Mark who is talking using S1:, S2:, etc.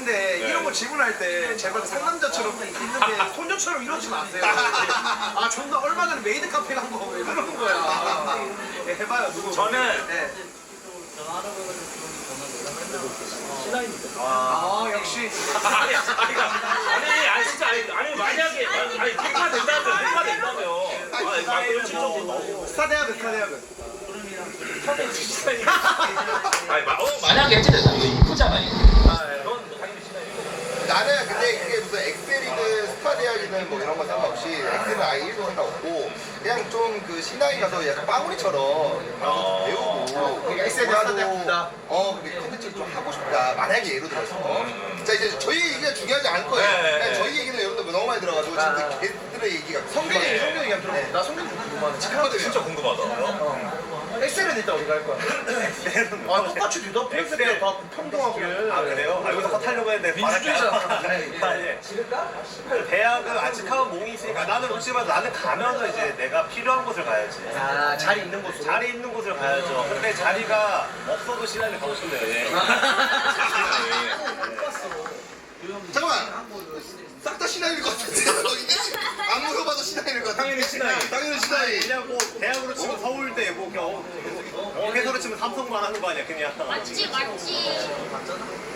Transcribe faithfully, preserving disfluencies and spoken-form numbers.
S1: 근데
S2: 네.
S1: 이런 거 질문할 때 제발 상남자처럼 있는데 손녀처럼 이러지 마세요. 아 존나 얼마 전에 메이드 카페 간 거 왜 그러는 거야. 네, 해봐요 누구.
S2: 저는
S1: 네.
S2: 아,
S1: 아 역시.
S2: 아니, 아니, 아니, 아니, 진짜, 아니, 아니 만약에, 아니, 아니, 대파 된다면, 대파 된다면, 아니, 막 그런 질문 너무.
S1: 스타 대학은 스타 대학은.
S2: 아니, 마, 어, 만약에 해체된다. 이거 이쁘잖아, 이거. 아, 네. 넌 당연히 시나리오.
S3: 나는 근데 그게 무슨 엑셀이든 스타 대학이든 뭐 이런 거 상관없이 엑셀은 아예 일도 상관없고 그냥 좀 그 신나게 가서 약간 빠구리처럼
S2: 어.
S3: 배우고
S1: 그러니까 엑셀 스타 대학 된다.
S3: 어 근데 컨텐츠를 좀 하고 싶다 만약에 예를 들어서 자 이제 저희 얘기가 중요하지 않을 거예요
S2: 네, 네,
S3: 그냥
S2: 네.
S3: 저희 얘기는 여러분들 너무 많이 들어가지고
S1: 아.
S3: 지금 걔들의 얘기가
S1: 성균이
S2: 네.
S1: 성균이 얘기 들어. 나 성균 좀 궁금하네.
S3: 잠깐만요
S2: 진짜 궁금하다.
S1: 엑셀은 일단 어디 갈 거야? 아 똑같이 뒤다 엑셀 다 평등하게.
S4: 아 그래요? 아 여기서 컷하려고 했는데
S1: 민주주의잖아.
S4: 아, 예. 대학은 아직하면 몽이 있으니까 나는 혹시만 나는 가면은 이제 내가 필요한 곳을 가야지.
S1: 아 자리 있는 곳으로.
S4: 자리 있는 곳을 가야죠. 근데 자리가 없어도 신나게 가고 싶네요. 예.
S3: 잠깐만 싹 다 신나일 것 같은데 안 물어봐도 신나일 것 같아
S4: 당연히 신나이.
S3: 당연히 신나이
S4: 그냥 뭐 대학으로 치면 서울대 뭐 그냥 어, 어, 회사로 치면 삼성만 하는 거 아니야 그냥.
S5: 맞지 맞지.